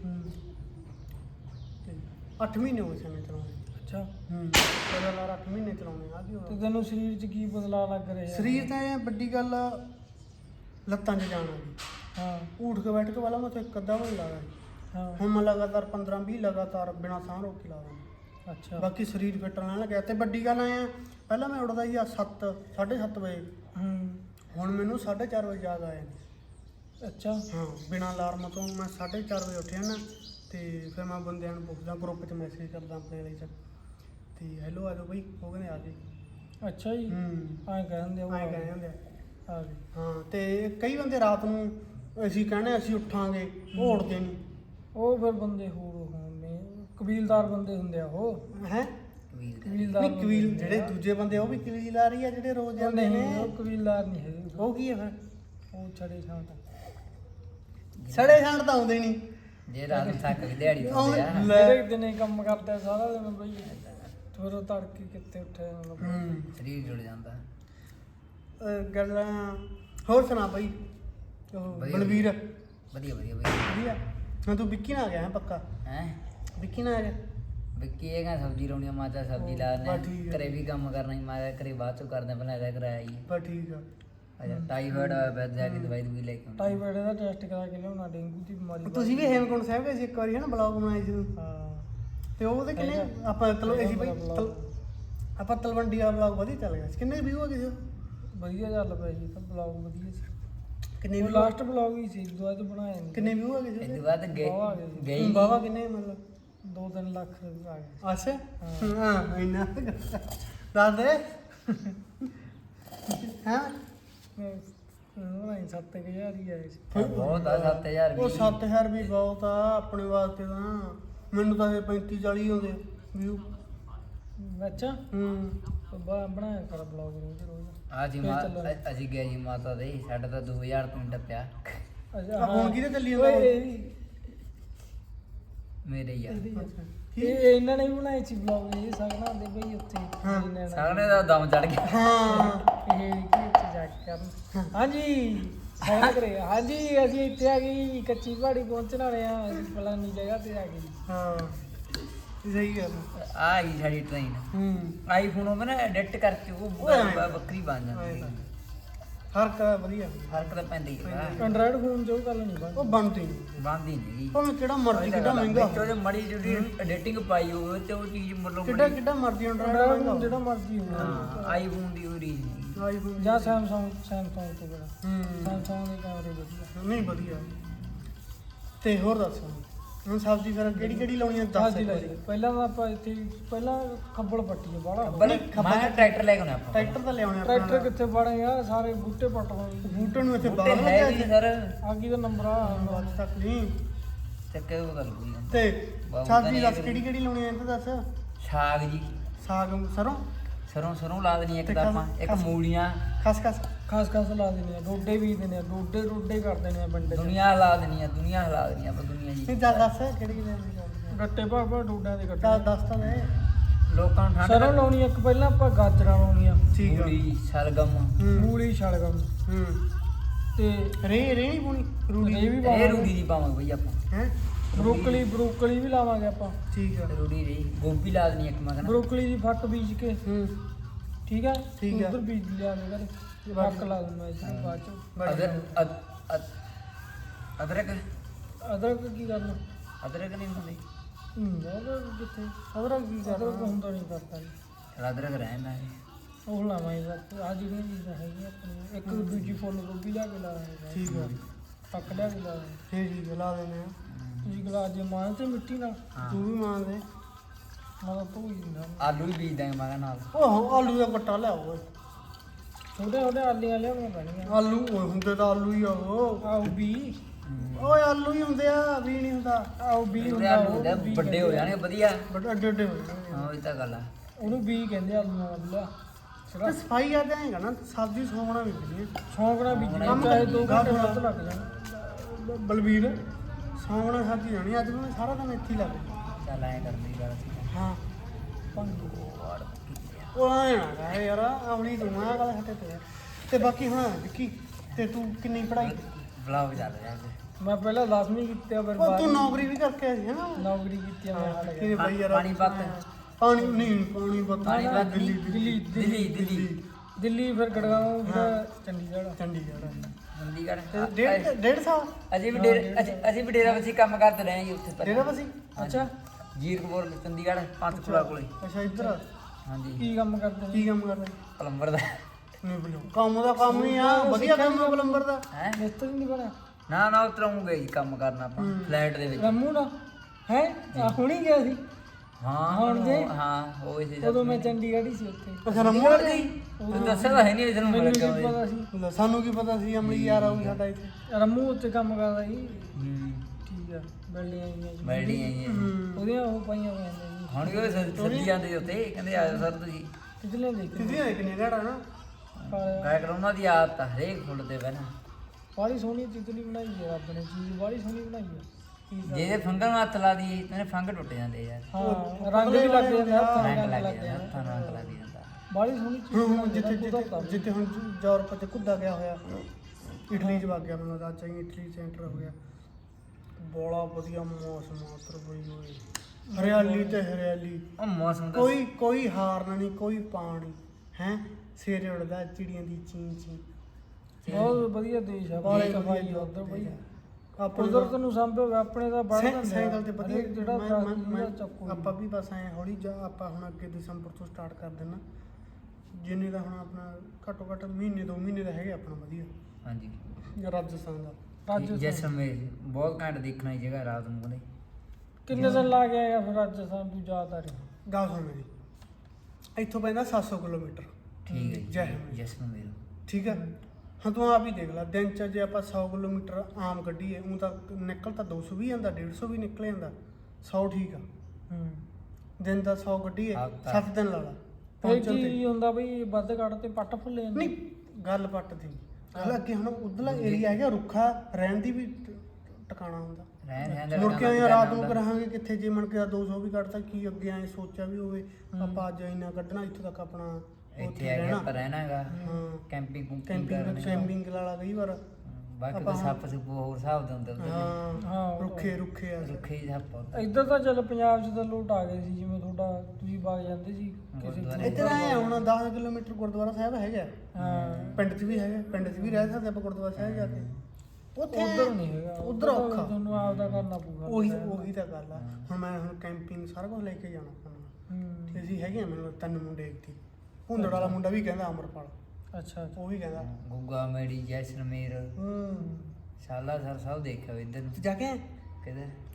B: ਤੇ 8 ਮਹੀਨੇ ਹੋ ਗਏ ਸਾਨੂੰ ਚਲਾਉਂਦੇ
A: ਅੱਛਾ
B: ਲਗਾਤਾਰ 8 ਮਹੀਨੇ ਚਲਾਉਂਦੇ ਆ ਕੀ
A: ਤੇ ਤੈਨੂੰ ਸਰੀਰ 'ਚ ਕੀ ਬਦਲਾਅ ਲੱਗ ਰਿਹਾ
B: ਸਰੀਰ ਤਾਂ ਇਹ ਵੱਡੀ ਗੱਲ ਆ, ਲੱਤਾਂ 'ਚ ਜਾਣ ਵਾਲੀ
A: ਹਾਂ
B: ਉੱਠ ਕੇ ਬੈਠ ਕੇ ਵਾਲਾ ਮੈਂ ਤਾਂ ਇੱਕ ਅੱਧਾ ਵੀ ਲਾ
A: ਹਾਂ
B: ਹੁਣ ਮੈਂ ਲਗਾਤਾਰ 15-20 ਲਗਾਤਾਰ ਬਿਨਾਂ ਸਾਹ ਰੋਕ ਕੇ ਲਾ ਦਿੰਦਾ
A: ਅੱਛਾ
B: ਬਾਕੀ ਸਰੀਰ ਫਿੱਟ ਰਹਿਣ ਲੱਗਿਆ ਤੇ ਵੱਡੀ ਗੱਲ ਐ ਪਹਿਲਾਂ ਮੈਂ ਉੱਠਦਾ ਸੀ 7:30 ਵਜੇ ਹੁਣ ਮੈਨੂੰ 4:30 ਵਜੇ ਜਾਗ ਆ ਜਾਂਦੀ
A: ਅੱਛਾ
B: ਹਾਂ ਬਿਨਾਂ ਅਲਾਰਮ ਤੋਂ ਮੈਂ 4:30 ਵਜੇ ਉੱਠਿਆ ਨਾ ਤੇ ਫਿਰ ਮੈਂ ਬੰਦਿਆਂ ਨੂੰ ਪੁੱਛਦਾ ਗਰੁੱਪ 'ਚ ਮੈਸੇਜ ਕਰਦਾ ਆਪਣੇ ਵਾਲੇ 'ਚ ਤੇ ਹੈਲੋ ਆ ਜਾਓ ਬਈ ਉਹ ਕਹਿੰਦੇ ਆ ਗਏ
A: ਅੱਛਾ ਜੀ ਐਂ ਕਹਿੰਦੇ ਆ
B: ਐਂ ਕਹਿ ਜਾਂਦੇ
A: ਆ ਗਏ
B: ਹਾਂ ਤੇ ਕਈ ਬੰਦੇ ਰਾਤ ਨੂੰ ਅਸੀਂ ਕਹਿੰਦੇ ਅਸੀਂ ਉੱਠਾਂਗੇ ਉਹ ਉੱਠਦੇ ਨਹੀਂ
A: ਉਹ ਫਿਰ ਬੰਦੇ ਹੋਰ ਹੁੰਦੇ ਕਬੀਲਦਾਰ ਬੰਦੇ ਹੁੰਦੇ ਆ ਉਹ
B: ਹੈ
A: ਕਬੀਲਦਾਰ
B: ਨਹੀਂ ਕਬੀਲ ਜਿਹੜੇ ਦੂਜੇ ਬੰਦੇ ਉਹ ਵੀ ਕਬੀਲ ਆ ਰਹੀ ਆ ਜਿਹੜੇ ਰੋਜ਼ ਜਾਂਦੇ ਨੇ
A: ਉਹ ਕਬੀਲਦਾਰ ਨਹੀਂ ਹੈਗੇ
B: ਉਹ ਕੀ ਹੈ ਫਿਰ
A: ਉਹ ਛੜੇ ਛਾਂਟ
B: ਸੜੇ ਛਾਂਟ ਤਾਂ ਆਉਂਦੇ ਨਹੀਂ
C: ਜੇ ਰਾਤ ਨੂੰ ਥੱਕ ਕੇ ਦਿਹਾੜੀ ਪਾਉਂਦੇ ਆ
A: ਜਿਹੜੇ ਦਿਨੇ ਕੰਮ ਕਰਦਾ ਸਾਰਾ ਦਿਨ ਬਈ ਥੋੜਾ ਤੜਕੇ ਕਿੱਥੇ ਉੱਠਿਆ
C: ਸਰੀਰ ਜੁੜ ਜਾਂਦਾ
B: ਗੱਲਾਂ ਹੋਰ ਸੁਣਾ ਬਈ ਉਹ ਬਲਵੀਰ
C: ਵਧੀਆ
B: ਵਧੀਆ ਹੁਣ ਤੂੰ ਵਿੱਕੀ ਨਾਲ ਆ ਗਿਆ ਹੈ ਪੱਕਾ
C: ਹੈ
B: ਵਿੱਕੀ ਨਾਲ ਆ ਗਿਆ
C: ਵਿੱਕੀ ਇਹ ਕਹਿੰਦਾ ਸਬਜ਼ੀ ਲਾਉਣੀ ਆ ਮਾਤਾ ਸਬਜ਼ੀ ਲਾ
B: ਬਸ ਠੀਕ
C: ਦਿੰਦੇ
B: ਹੈ।
C: ਘਰੇ ਵੀ ਕੰਮ ਕਰਨਾ ਹੀ ਮਾਤਾ ਘਰੇ ਬਾਅਦ ਚੋਂ ਕਰਦੇ ਪਹਿਲਾਂ ਇਹਦਾ ਕਰਾਇਆ ਜੀ
B: ਬਸ ਠੀਕ ਆ
C: ਅੱਛਾ ਟਾਈਫਾਇਡ ਹੋਇਆ ਪਿਆ ਜਾ ਕੇ ਦਵਾਈ ਦਵਾਈ ਲੈ ਕੇ ਆਉਣੀ।
A: ਟਾਈਫਾਇਡ ਦਾ ਟੈਸਟ ਕਰਾ ਕੇ ਲਿਆਉਣਾ ਡੇਂਗੂ ਦੀ ਬਿਮਾਰੀ
B: ਤੁਸੀਂ ਵੀ ਹੇਮਕੁੰਟ ਸਾਹਿਬ ਗਏ ਸੀ ਇੱਕ ਵਾਰੀ ਹੈ ਨਾ ਬਲੌਗ ਬਣਾਏ ਸੀ ਤੂੰ
A: ਹਾਂ
B: ਤੇ ਉਹਦੇ ਕਿੰਨੇ
A: ਹੈਗਾ।
B: ਆਪਾਂ ਤਲੋ ਅਸੀਂ ਬਈ
A: ਹੈਗਾ
B: ਆਪਾਂ ਤਲਵੰਡੀ ਵਾਲਾ ਬਲੌਗ ਵਧੀਆ ਚੱਲ ਗਿਆ ਸੀ ਕਿੰਨੇ ਵਿਊ ਹੋ ਗਏ ਸੀ ਉਹ?
A: ਵਧੀਆ ਚੱਲ ਪਿਆ ਜੀ ਤਾਂ ਬਲੌਗ ਵਧੀਆ ਸੀ
B: ਕਿੰਨੇ
A: ਉਹ
B: view?
A: ਲਾਸਟ ਬਲੌਗ ਹੀ ਸੀ ਦੁਆ ਤੋਂ ਬਣਾਇਆ ਨਹੀਂ
B: ਕਿੰਨੇ ਵਿਊ ਹੋ ਗਏ ਸੀ
C: ਇਹ
B: ਉਹਦੇ?
C: ਤੋਂ ਬਾਅਦ
A: ਬਹੁਤ ਆ ਗਏ ਸੀ।
C: ਗਈ
B: ਬਾਵਾ ਕਿੰਨੇ ਮਤਲਬ
A: 2-3 ਲੱਖ ਰੁਪਏ ਆ ਗਏ
B: ਅੱਛਾ ਹਾਂ ਇੰਨਾ ਦੱਸ ਦੇ ਹਾਂ
A: ਨਹੀਂ 7000 ਹੀ ਆਏ ਸੀ
C: ਬਹੁਤ ਆ 7000
B: ਉਹ
C: ਵੀ
B: 7000 ਵੀ ਬਹੁਤ ਆ ਆਪਣੇ ਵਾਸਤੇ ਤਾਂ ਮੈਨੂੰ ਤਾਂ ਇਹ 35-40 ਆਉਂਦੇ ਵਿਊ
A: ਅੱਛਾ ਬਣਾਇਆ ਕਰ ਬਲੌਗ ਰੋਜ਼
C: ਆ ਜੀ ਅਸੀਂ ਗਏ ਜੀ ਮਾਤਾ ਦੇ ਸਾਡਾ ਤਾਂ 2000 ਤੋਂ ਟੱਪਿਆ
A: ਅੱਛਾ
B: ਹੁਣ ਕਿਹਦੇ ਚੱਲੀ ਜਾਂਦਾ
A: ਓਏ
C: ਮੇਰੇ ਯਾਰ
A: ਇਹ ਇਹਨਾਂ ਨੇ ਵੀ ਬਣਾਏ ਸੀ ਬਲੌਗ ਇਹ ਸਗਣਾ ਦੇ ਬਈ ਉੱਥੇ ਇਹਨਾਂ ਨੇ।
C: ਸਾਗਣੇ ਦਾ ਦਮ ਚੜ ਗਿਆ
B: ਹਾਂ
A: ਇਹ ਕੀ ਉੱਥੇ ਜਾ ਕੇ ਕਰਨ ਹਾਂਜੀ ਸਾਈਨ ਕਰੇ ਹਾਂਜੀ ਅਸੀਂ ਇੱਥੇ ਆ ਗਏ ਜੀ, ਕੱਚੀ ਪਹਾੜੀ ਪਹੁੰਚਣ ਵਾਲੇ ਆ ਅਸੀਂ ਫਲਾਨੀ ਜਗ੍ਹਾ ਤੇ ਆ ਗਏ ਜੀ।
B: ਹਾਂ ਸਹੀ ਗੱਲ
C: ਆ ਗਈ ਸਾਡੀ ਟ੍ਰੇਨ ਆਈਫੋਨ ਉਹ ਨਾ ਐਡਿਟ ਕਰਕੇ ਉਹ ਬੱਕਰੀ ਬਣ ਜਾਂਦੀ ਹੈ।
B: ਫਰਕ ਵਧੀਆ
C: ਫਰਕ ਤਾਂ ਪੈਂਦਾ ਹੀ ਹੈ
A: ਐਂਡਰਾਇਡ ਫੋਨ 'ਚ ਉਹ ਗੱਲ ਨਹੀਂ ਬਣਦੀ
B: ਉਹ ਬਣਦੀ ਨਹੀਂ
C: ਬੰਦੀ ਨਹੀਂ
B: ਭਾਵੇਂ ਕਿਹੜਾ ਮਰਜ਼ੀ ਕਿੱਡਾ ਮਹਿੰਗਾ
C: ਵਿੱਚ ਉਹਦੇ ਮੜੀ ਜਿਹੜੀ ਐਡੀਟਿੰਗ ਪਾਈ ਹੋਵੇ ਤੇ ਉਹ ਚੀਜ਼ ਮਤਲਬ
B: ਕਿੱਡਾ ਮਰਜ਼ੀ
A: ਐਂਡਰਾਇਡ
B: ਐਂਡਰਾਇਡ
A: ਫੋਨ ਜਿਹੜਾ ਮਰਜ਼ੀ ਹੋਵੇ
C: ਹਾਂ ਆਈਫੋਨ ਦੀ ਉਹ ਰੀਜ ਨਹੀਂ
B: ਆਈਫੋਨ
A: ਜਾਂ ਸੈਮਸੰਗ ਤੋਂ ਬੜਾ
B: ਹੂੰ
A: ਸੈਮਸੰਗ ਦੇ ਕੈਮਰੇ ਵਧੀਆ
B: ਨਹੀਂ ਵਧੀਆ ਤੇ ਹੋਰ ਦੱਸ ਹੁਣ ਸਬਜ਼ੀ ਫਿਰ ਕਿਹੜੀ ਲਾਉਣੀ ਆ ਦੱਸ
A: ਸਬਜ਼ੀ ਲੈ ਲਈ। ਪਹਿਲਾਂ ਤਾਂ ਆਪਾਂ ਇੱਥੇ ਪਹਿਲਾਂ ਖੱਬਲ ਪੱਟੀ ਆ ਬਾਹਲਾ
C: ਮੈਂ ਟਰੈਕਟਰ ਲੈ ਕੇ ਆਉਣਾ ਆਪਾਂ
B: ਟਰੈਕਟਰ ਤਾਂ ਲਿਆਉਣੇ
A: ਟਰੈਕਟਰ ਕਿੱਥੇ ਬੜੇ ਆ ਸਾਰੇ ਬੂਟੇ ਪੱਟ ਹੋਏ
B: ਬੂਟੇ ਨੂੰ ਇੱਥੇ
C: ਬੂਟੇ
B: ਬਾਹਰ
C: ਹੈ ਵੀ ਨੀ ਸਰ
A: ਆਗੀ ਦਾ ਨੰਬਰ ਆ
B: ਅੱਜ ਤੱਕ ਨਹੀਂ
C: ਚੱਕੇ ਉਹ ਗੱਲ ਕੋਈ
B: ਤੇ
C: ਬਹੁਤ
B: ਸਬਜ਼ੀ
C: ਵਧੀਆ
B: ਦੱਸ ਕਿਹੜੀ ਲਾਉਣੀ ਆ ਇਹ ਤਾਂ ਦੱਸ
C: ਸਾਗ ਜੀ
B: ਸਾਗ ਸਰੋਂ
C: ਸਰੋਂ ਲਾ ਦੇਣੀ ਇੱਕ
B: ਤੇ
C: ਤਾਂ ਆਪਾਂ ਇੱਕ ਮੂਲੀਆਂ
B: ਖਸ
A: ਖਾਸ ਲਾ ਦਿੰਦੇ ਆ ਡੋਡੇ ਵੀ ਦਿੰਦੇ ਆ ਡੋਡੇ ਕਰ ਦਿੰਦੇ ਆ ਬੰਡੇ
C: ਦੁਨੀਆ ਹਿਲਾ ਦੇਣੀ ਆ ਦੁਨੀਆ ਹਿਲਾ ਦੇਣੀ ਆ ਆਪਾਂ ਦੁਨੀਆ ਜੀ
B: ਨਹੀਂ ਦੱਸ ਕਿਹੜੀ ਲਾਉਣੀ ਆ
A: ਗੱਟੇ ਭਾਪਾ ਡੋਡਿਆਂ ਦੇ ਗੱਟੇ
B: ਤਾਂ ਦੱਸ ਤਾਂ ਦੇ
C: ਲੋਕਾਂ ਨੂੰ ਠੰਡ
A: ਸਰੋਂ ਲਾਉਣੀ ਇੱਕ ਪਹਿਲਾਂ ਆਪਾਂ ਗਾਜਰਾਂ ਲਾਉਣੀਆਂ
B: ਠੀਕ ਆ
C: ਮੂਲੀ ਸ਼ਲਗਮ
A: ਮੂਲੀ ਛਲਗਮ
B: ਹੂੰ
A: ਤੇ
B: ਰੇ ਨਹੀਂ ਪਾਉਣੀ ਰੂੜੀ
A: ਇਹ ਵੀ
C: ਇਹ
A: ਪਾਵਾਂਗੇ
C: ਰੂੜੀ ਦੀ ਪਾਵਾਂਗੇ ਬਈ ਆਪਾਂ
B: ਹੈ
A: ਬਰੋਕਲੀ ਵੀ ਲਾਵਾਂਗੇ ਆਪਾਂ
B: ਠੀਕ ਆ
C: ਰੂੜੀ ਦੀ ਗੋਭੀ ਲਾ ਦੇਣੀ ਇੱਕ ਮੈਂ ਕਹਿੰਦਾ
A: ਬਰੋਕਲੀ ਦੀ ਫੱਕ ਬੀਜ ਕੇ
B: ਹੂੰ
A: ਠੀਕ ਆ
B: ਠੀਕ ਆ।
A: ਉਧਰ ਬੀਜ ਲਿਆ ਮੇਰੇ ਫੱਕ ਲਾ ਦੂੰਗਾ ਇਸ ਨੂੰ ਬਾਅਦ ਚ
C: ਅਦਰਕ
A: ਅਦਰਕ ਕੀ ਕਰਨਾ
C: ਅਦਰਕ ਨਹੀਂ ਹੁੰਦੀ
A: ਅਦਰਕ ਕਿੱਥੇ ਅਦਰਕ ਕੀ ਕਰਨਾ ਅਦਰਕ ਹੁੰਦਾ ਨਹੀਂ ਕਰਦਾ
C: ਚਲ ਅਦਰਕ ਰਹਿਣਾ ਹੈ
A: ਉਹ ਲਾਵਾਂਗੇ ਬਸ ਆ ਜਿਹੜੀਆਂ ਚੀਜ਼ਾਂ ਹੈਗੀਆਂ ਆਪਣੀਆਂ ਇੱਕ ਦੂਜੀ ਫੁੱਲ ਗੋਭੀ ਲਿਆ ਕੇ ਲਾਵਾਂਗੇ
B: ਠੀਕ ਆ
A: ਫੱਕ ਲਿਆ ਕੇ ਲਾਵਾਂਗੇ
B: ਠੀਕ ਲਾ ਦਿੰਦੇ ਆ
A: ਤੁਸੀਂ ਗਲਾਸ ਜੇ ਮਾਰ ਤੇ ਮਿੱਟੀ ਨਾਲ
B: ਤੂੰ ਵੀ ਮੰਨਦੇ
A: ਮੈਂ ਤਾਂ ਧੋਈ ਦਿੰਦਾ
C: ਆਲੂ ਵੀ ਬੀਜ ਦਾਂਗੇ ਮੈਂ ਕਿਹਾ ਨਾਲ
B: ਓਹ ਆਲੂ ਦਾ ਗੱਟਾ ਲਿਆਓ ਓਏ
A: ਛੋਟੇ ਛੋਟੇ ਆਲੀਆਂ ਲਿਆਉਣੀਆਂ ਪੈਣਗੀਆਂ
B: ਆਲੂ ਓਏ ਹੁੰਦੇ ਤਾਂ ਆਲੂ ਹੀ ਆ ਉਹ
A: ਆਉ ਵੀ
B: ਓਏ ਆਲੂ ਹੀ ਹੁੰਦੇ ਆ ਵੀ ਨਹੀਂ ਹੁੰਦਾ
A: ਆਉ ਵੀ
C: ਉਹਦੇ
A: ਹੁੰਦਾ
C: ਆਲੂ
A: ਉਹ
C: ਦੇ
A: ਬੀ
C: ਵੱਡੇ ਹੋ
A: ਕਹਿੰਦੇ ਆ।
C: ਜਾਣਗੇ ਵਧੀਆ
B: ਬਟ ਅੱਡੇ ਅੱਡੇ ਹੋ ਜਾਣਗੇ
C: ਹਾਂ ਇਹ ਤਾਂ ਗੱਲ ਆ
A: ਉਹਨੂੰ ਵੀ ਕਹਿੰਦੇ ਆਲੂਆਂ ਦਾ ਬੁੱਲਾ
B: ਤੇ ਸਫਾਈ ਆ ਜਾਏਗਾ ਨਾ ਸਬਜ਼ੀ ਸੋਹਣਾ ਵੀ ਬਣੀ
A: ਸ਼ੌਂਕ ਨਾਲ ਬੀਜਣਾ
B: ਕੰਮ
A: ਚਾਹੇ 2
B: ਗਾਹ
A: ਘੰਟੇ
B: ਥੋੜ੍ਹਾ।
A: ਵੱਧ ਲੱਗ ਜਾਣ
B: ਬਲਬੀਰ ਸੋਹਣਾ ਸਬਜ਼ੀ ਜਾਣੀ ਅੱਜ ਮੈਂ ਸਾਰਾ ਦਿਨ ਇੱਥੇ ਹੀ ਲੱਗ ਗਿਆ।
C: ਚੱਲ ਐਂ ਕਰਨ ਦੀ ਗੱਲ ਸੀ
B: ਹਾਂ
C: ਵਾੜ
B: ਉਹ ਆਏ ਨਾ ਗਾ ਯਾਰ ਆਉਣੀ ਤੂੰ ਆ ਗੱਲ ਹੱਟੇ ਤੇ ਬਾਕੀ ਹੁਣ ਵਿੱਕੀ ਤੇ ਤੂੰ ਕਿੰਨੀ ਪੜ੍ਹਾਈ
C: ਬਲਾਉ ਚੱਲ ਰਿਹਾ ਜੀ
A: ਮੈਂ ਪਹਿਲਾਂ 10ਵੀਂ ਕੀਤੀ ਆ ਫਿਰ
B: ਉਹ ਤੂੰ
A: ਬਾਅਦ
B: ਨੌਕਰੀ ਵੀ ਕਰਕੇ ਆਈ ਹੈ ਨਾ
A: ਨੌਕਰੀ ਕੀਤੀ ਆ ਮੈਂ ਹਟ ਗਿਆ
B: ਕਿਹਨੇ ਬਈ ਯਾਰ
C: ਪਾਣੀਪਤ।
B: ਪਾਣੀ ਨਹੀਂ ਪਾਣੀਪਤ
C: ਪਾਣੀਪਤ
B: ਦਿੱਲੀ
C: ਨਹੀਂ, ਦਿੱਲੀ
A: ਦਿੱਲੀ ਫਿਰ ਗੜਗਾਉਂ ਫਿਰ ਚੰਡੀਗੜ੍ਹ
B: ਚੰਡੀਗੜ੍ਹ
C: ਚੰਡੀਗੜ੍ਹ
B: ਤੇ ਡੇਢ ਸਾਲ
C: ਅਸੀਂ ਵੀ ਡੇਰਾ ਵਿੱਚ ਕੰਮ ਕਰਦੇ ਰਹੇ ਜੀ ਉੱਥੇ
B: ਡੇਢ ਵਸੀ
A: ਅੱਛਾ
C: ਜੀਰਕਪੁਰ ਚੰਡੀਗੜ੍ਹ ਪੰਚਕੂਲਾ ਕੋਲੇ
B: ਅੱਛਾ ਇੱਧਰ
C: ਹਾਂਜੀ
A: ਕੀ ਕੰਮ ਕਰਦੇ ਨੇ
B: ਕੀ ਕੰਮ ਕਰਦਾ
C: ਪਲੰਬਰ ਦਾ
B: ਨਹੀਂ ਬਲੋ ਕੰਮ ਦਾ ਕੰਮ ਹੀ ਆ ਵਧੀਆ ਕੰਮ ਆ ਪਲੰਬਰ ਦਾ
C: ਹੈ
A: ਮਿਸਤਰੀ ਨਹੀਂ ਬਣਾ
C: ਨਾ ਉਤਰਾਂਗੇ ਜੀ ਕੰਮ ਕਰਨਾ ਆਪਾਂ ਫਲੈਟ ਦੇ ਵਿੱਚ
A: ਰੰਮੂ ਨਾ ਹੈ ਆ ਹੁਣੀ ਗਿਆ ਸੀ
C: ਹਾਂ
A: ਹੁਣ ਜੇ?
C: ਹਾਂ ਹੋਏ ਸੀ
A: ਉਦੋਂ ਮੈਂ ਚੰਡੀਗੜ੍ਹ ਹੀ ਸੀ ਉੱਥੇ
B: ਅੱਛਾ ਰਮੂੜ ਗਈ
C: ਤੂੰ ਦੱਸਿਆ ਤਾਂ ਹੈ ਨਹੀਂ ਤੈਨੂੰ
A: ਮੈਨੂੰ
C: ਲੱਗਾ
A: ਕੀ ਪਤਾ ਸੀ
B: ਲੈ, ਸਾਨੂੰ ਕੀ ਪਤਾ ਸੀ ਅਮਲੀ ਯਾਰ ਆਉ ਸਾਡਾ ਇੱਥੇ
A: ਰੰਮੂ ਉੱਤੇ ਕੰਮ ਕਰਦਾ ਸੀ
C: ਹੂੰ
A: ਠੀਕ ਆ ਬਿਲਡਿੰਗਾਂ ਆਈਆਂ ਸੀ
C: ਬੈਲਡਿੰਗ ਆਈ ਹੈ
A: ਉਹਦੀਆਂ ਉਹ ਪਾਈਆਂ ਹੋਈਆਂ ਨੇ ਜੀ
C: ਹੁਣ ਵੀ ਉਹ ਸੱਜੀ ਜਾਂਦੇ ਸੀ ਉੱਥੇ ਕਹਿੰਦੇ ਆ ਸਰ ਤੁਸੀਂ
A: ਕਿਤਨੇ ਦੇਖ
B: ਕਿੱਥੇ ਕਿੰਨੇ ਘੜਾ ਨਾ
C: ਗਾਇਕ ਉਹਨਾਂ ਦੀ ਆਦਤ ਆ ਹਰੇਕ ਫੁੱਲ ਤੇ ਬਹਿਣਾ
A: ਬਾਲੀ ਸੋਹਣੀ ਤਿਤਲੀ ਬਣਾਈ ਹੈ ਰੱਬ ਨੇ ਚੀਜ਼ ਬਾਲੀ ਸੋਹਣੀ ਬਣਾਈ ਹੈ ਚੀਜ਼ ਦਾ।
C: ਜਿਹਦੇ ਫੰਗਾਂ ਨੂੰ ਹੱਥ ਲਾ ਦੀ ਤੇਰੇ ਫੰਗ ਟੁੱਟ ਜਾਂਦੇ ਯਾਰ
A: ਹਾਂ ਰੰਗ ਵੀ ਲੱਗ ਜਾਂਦਾ ਹੱਥਾਂ
C: ਰੰਗ
A: ਨਾਲ
C: ਲੱਗ
A: ਲੱਗ
C: ਜਾਂਦਾ
A: ਜਾਂਦਾ
C: ਹੱਥਾਂ ਨਾਲ ਰੰਗ ਲੱਗ ਜਾਂਦਾ
A: ਬਾਲੀ ਸੋਹਣੀ ਚੀਜ਼
B: ਹੁਣ
A: ਬਣਾਈ
B: ਜਿੱਥੇ
A: ਹੈ,
B: ਜਿੱਥੇ
A: ਕੁਦਰਤ ਆ।
B: ਜਿੱਥੇ ਹੁਣ ਯੂਰਪ ਚ ਕੁੱਦਾ ਗਿਆ ਹੋਇਆ ਇਟਲੀ ਚ ਵਗ ਗਿਆ ਮੈਨੂੰ ਲੱਗਦਾ ਚਾਹੀ ਇਟਲੀ ਸੈਂਟਰ ਹੋ ਗਿਆ ਬੋਲਾ ਵਧੀਆ ਮੌਸਮ ਉਤਰ ਬਈ ਹੋਏ ਹਰਿਆਲੀ ਤੇ ਹਰਿਆਲੀ
C: ਉਹ ਮੌਸਮ ਦਾ
B: ਕੋਈ ਹਾਰਨਾ ਨਹੀਂ ਕੋਈ ਪਾਣੀ ਹੈ ਸਵੇਰੇ ਉੱਠਦਾ ਚਿੜੀਆਂ ਦੀ ਚੀਂ ਚੀਂ
A: ਬਹੁਤ ਵਧੀਆ ਦੇਸ਼ ਆ
B: ਬਾਲੀ
A: ਬਾਲੀ ਸਫਾਈ ਆ ਉਧਰ ਬਈ
B: ਆਪਣੇ
A: ਕੁਦਰਤ ਨੂੰ ਸੰਭੇ ਆਪਣੇ ਦਾ ਬੜਾ
B: ਸਾਈਕਲ ਤੇ ਵਧੀਆ
A: ਜਿਹੜਾ
B: ਮੈਂ
A: ਚੱਕੂ
B: ਆਪਾਂ ਵੀ ਬਸ ਐ ਹੌਲੀ ਜਾ ਆਪਾਂ ਹੁਣ ਅੱਗੇ ਦਸੰਬਰ ਤੋਂ ਸਟਾਰਟ ਕਰ ਦੇਣਾ ਜਿੰਨੇ ਦਾ ਹੁਣ ਆਪਣਾ ਘੱਟੋ ਘੱਟ ਮਹੀਨੇ 2 ਮਹੀਨੇ ਦਾ ਹੈਗਾ ਆਪਣਾ ਵਧੀਆ
C: ਹਾਂਜੀ
B: ਰਾਜਸਥਾਨ ਦਾ
A: ਰਾਜਸਥਾਨ
C: ਜੈਸਲਮੇਰ ਬਹੁਤ ਘੈਂਟ ਦੇਖਣ ਦੀ ਜਗ੍ਹਾ ਰਾਤ ਨੂੰ ਕਹਿੰਦੇ
A: ਕਿੰਨੇ ਦਿਨ ਲਾ ਕੇ ਆਇਆ ਫਿਰ ਰਾਜਸਥਾਨ ਤੂੰ ਜ਼ਿਆਦਾ ਰਿਹਾ
B: ਗੱਲ ਸੁਣ ਮੇਰੀ ਇੱਥੋਂ ਪੈਂਦਾ 700 ਕਿਲੋਮੀਟਰ
C: ਠੀਕ ਹੈ
B: ਜੈ
C: ਜੀ
B: ਹਿੰਦ।
C: ਜੈਸਲਮੇਰ
B: ਠੀਕ ਹੈ ਹਾਂ ਤੂੰ ਆਪ ਹੀ ਦੇਖ ਲੈ ਦਿਨ ਚ ਜੇ ਆਪਾਂ 100 ਕਿਲੋਮੀਟਰ ਆਮ ਗੱਡੀ ਹੈ ਉਹ ਤਾਂ ਨਿਕਲ ਤਾਂ 200 ਵੀ ਜਾਂਦਾ 150 ਵੀ ਨਿਕਲ ਜਾਂਦਾ 100 ਠੀਕ ਆ
A: ਹੂੰ
B: ਦਿਨ ਦਾ 100 ਗੱਡੀ ਹੈ
C: ਹਾਂ,
B: 7 ਦਿਨ ਲਾ ਲਾ
A: ਫਿਰ
B: ਪਹੁੰਚਣ ਤੇ
A: ਕੀ ਹੁੰਦਾ ਬਈ ਵੱਧ ਘੱਟ ਤੇ ਪੱਟ ਫੁੱਲੇ ਜਾਂਦੇ
B: ਨਹੀਂ ਗੱਲ ਪੱਟਦੀ ਗੱਲ ਅੱਗੇ ਹੁਣ ਉਧਰਲਾ ਏਰੀਆ ਹੈਗਾ ਰੁੱਖਾ ਰਹਿਣ ਦੀ ਵੀ ਟਿਕਾਣਾ ਹੁੰਦਾ
C: ਰਹਿਣ ਦਾ
B: ਮੁੜ ਕੇ ਆਏ ਰਾਤ ਨੂੰ ਕਰਾਂਗੇ ਕਿੱਥੇ ਜੇ ਮਨ ਕੇ 200 ਵੀ ਕੱਢਤਾ ਕੀ ਅੱਗੇ ਐ ਸੋਚਿਆ ਵੀ ਹੋਵੇ ਆਪਾਂ ਅੱਜ ਇੰਨਾ ਕੱਢਣਾ ਇੱਥੋਂ ਤੱਕ ਆਪਣਾ
C: ਇੱਥੇ ਆ ਗਿਆ ਪਰ ਰਹਿਣਾਗਾ
B: ਹਾਂ
C: ਕੈਂਪਿੰਗ ਕੁੰਪਿੰਗ
B: ਕੈਂਪਿੰਗ
C: ਕਰਨੀ
B: ਕੈਂਪਿੰਗ ਵਾਲਾ ਕਈ ਵਾਰ
C: ਬਾਕੀ ਤਾਂ ਸੱਪ ਸੁੱਪ ਹੋਰ ਹਿਸਾਬ ਦੇ ਹੁੰਦੇ ਉੱਧਰ
B: ਹਾਂ
A: ਹਾਂ ਉਹ
B: ਰੁੱਖੇ ਰੁੱਖੇ ਆ
C: ਰੁੱਖੇ ਹੀ ਸੱਪ ਉੱਧਰ।
A: ਇੱਧਰ ਤਾਂ ਚੱਲ ਪੰਜਾਬ 'ਚ ਤਾਂ ਲੋਟ ਆ ਗਏ ਸੀ ਜਿਵੇਂ ਤੁਹਾਡਾ ਤੁਸੀਂ ਬਾਗ ਜਾਂਦੇ ਸੀ ਕਿਸੇ
C: ਗੁਰਦੁਆਰੇ।
B: ਇੱਧਰ ਆਏ ਹੁਣ 10 ਕਿਲੋਮੀਟਰ ਗੁਰਦੁਆਰਾ ਸਾਹਿਬ ਹੈਗਾ
A: ਹਾਂ
B: ਪਿੰਡ 'ਚ ਵੀ ਹੈਗਾ ਪਿੰਡ 'ਚ ਵੀ ਰਹਿ ਸਕਦੇ ਆਪਾਂ ਗੁਰਦੁਆਰਾ ਸਾਹਿਬ ਜਾ ਕੇ ਉੱਥੇ
A: ਉਧਰ ਨਹੀਂ ਹੈਗਾ
B: ਉੱਧਰ
A: ਤਾਂ
B: ਔਖਾ
A: ਤੁਹਾਨੂੰ ਆਪਦਾ ਕਰਨਾ ਪਊਗਾ
B: ਉਹੀ ਤਾਂ ਗੱਲ ਆ ਹੁਣ ਮੈਂ ਹੁਣ ਕੈਂਪਿੰਗ ਸਾਰਾ ਕੁਝ ਲੈ ਕੇ ਜਾਣਾ ਪੈਣਾ
A: ਹੂੰ
B: ਤੇ ਅਸੀਂ ਹੈਗੇ ਆ ਮੈਨੂੰ 3 ਮੁੰਡੇ ਇੱਥੇ ਹੁੰਦੜ ਵਾਲਾ ਮੁੰਡਾ ਵੀ ਕਹਿੰਦਾ ਅਮਰਪਾਲ
A: ਅੱਛਾ
B: ਉਹ ਵੀ ਕਹਿੰਦਾ
C: ਗੁੱਗਾ ਮੇੜੀ ਜੈਸਲਮੇਰ
B: ਹੂੰ
C: ਸਾਲਾ ਸਰ ਸਭ ਦੇਖਿਆ ਵਾ ਇੱਧਰ ਨੂੰ
B: ਜਾ ਕੇ ਆਏ?
C: ਕਿਧਰ